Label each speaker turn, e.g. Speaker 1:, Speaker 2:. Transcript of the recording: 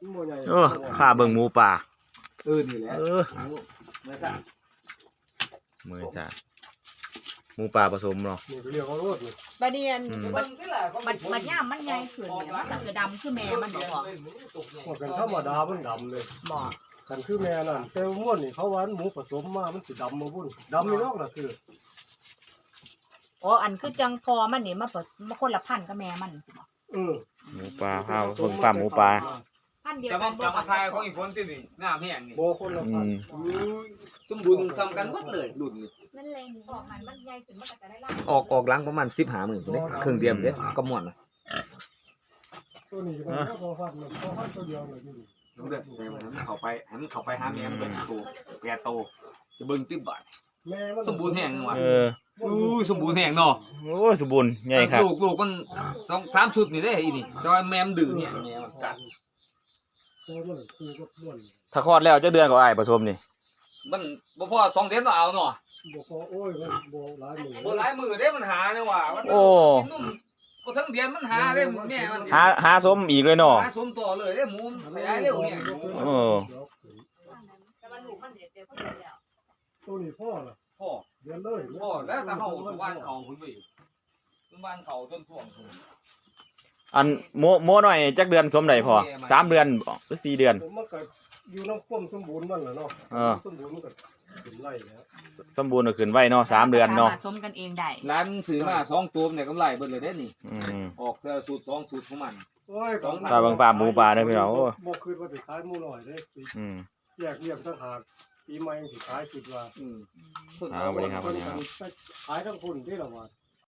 Speaker 1: ข้าเบิ่งหมูป่า
Speaker 2: นี่แหละเมื่อสั่ง
Speaker 1: หมูป่าผสมเนาะ
Speaker 3: บะเดียนมันย่ามมันใหญ่ขึ้นเนี่ยมันก็จะดำคือแม่มันบ่พอ
Speaker 4: กันธรรมดามันดำเลย
Speaker 3: บ่
Speaker 4: กันคือแม่นั่นแต่ม้วนนี่เขาว่าหมูผสมมามันสิดำมาบุ่นดำนี่นอกน่ะคือ
Speaker 3: อ๋ออันคือจังพอมันนี่มาคนละพันกับแม่มัน
Speaker 1: หมูป่าข้าวคนฟาร์มหมูป่า
Speaker 3: พันเดียว
Speaker 2: จะ
Speaker 3: กั
Speaker 2: มาน จะมาทายของอีฝนที่นี่งามแห้งนี่
Speaker 4: บ่คนละพัน
Speaker 2: สมบูรณ์ซ้ำกันหมดเลยรุ่นนี้
Speaker 3: นั่นแหละออกมันใหญ่ขึ้นมันก็จะได้ล่า
Speaker 2: ออกหลังประมาณ15,000เด้ครึ่งเดียวเด้ก็ม่วนน่ะ
Speaker 4: ตัวนี้ก็เป็นพอพันตัวเดียวเลยอยู่
Speaker 2: รู้เด้อให้มันเข้าไปหาแม่มันเป็นตัวแก่โตจะเบิ่งติบบาทสมบูรณ์แห้งว่ะสมบูรณ์แห้งเนาะ
Speaker 1: โอ้สมบูรณ์ใหญ่ครับ
Speaker 2: ลูกมัน2-3ชุดนี่เด้อีนี่แต่ว่าแม่มันดื้อเนี่ยแม่มันกัด
Speaker 1: ถ้าคลอดแล้วจะเดือนกว่าอ้ายผสมนี่
Speaker 2: มันบ่พอ2เดือนก็เอาเนาะ
Speaker 4: บ่พอโอ้ยบ่หลายมื้อ
Speaker 2: บ่หลายมื้อเด้มันหาเนี่ยว่ะ
Speaker 1: โอ้
Speaker 2: บ่ทั้งเดือนมันหาเด้แม่มัน
Speaker 1: หาสมอีกเลยเนาะ
Speaker 2: หาสมต่อเลยเด้หมูขยายเร็วเนี่ย
Speaker 3: แต่ว่าลูกมันเดี๋ยวก็เดี๋ยวแล้ว
Speaker 4: ตัวนี้พ่อล่ะ
Speaker 2: พ่อ
Speaker 4: เดือนเลย
Speaker 2: พ่อแล้วแต่เฮาบ้านเขาพุ่นไปบ้านเขาจนท่วม
Speaker 1: อันโมหน่อยจักเดือนสมได้พอ3เดือนหรือ4เดือน
Speaker 4: มันก็อยู่น้ำข้นสมบูรณ์มันแหละเนาะสมบูรณ์มันก็ขึ้นไร่แล้ว
Speaker 1: สมบูรณ์ก็ขึ้นไว้เนาะ3เดือนเนาะ
Speaker 3: สมกันเองได้
Speaker 2: ร้านซื้อมา2ตัวเนี่ยกำไรเบิดเลยเด้นี่ออกสูตร2สูตรของมัน
Speaker 4: โอ้ย
Speaker 1: ถ้าบางฟาร์มหมูป่าเด้อพี่น้องโอ้
Speaker 4: บ่คิดว่าสิขายหมูน้อยเด้แยกเรียกต่างหากปีใหม่สิขายคิดว่า
Speaker 1: สวัสดีครับ
Speaker 4: ขายทั้งคนที่ละว่า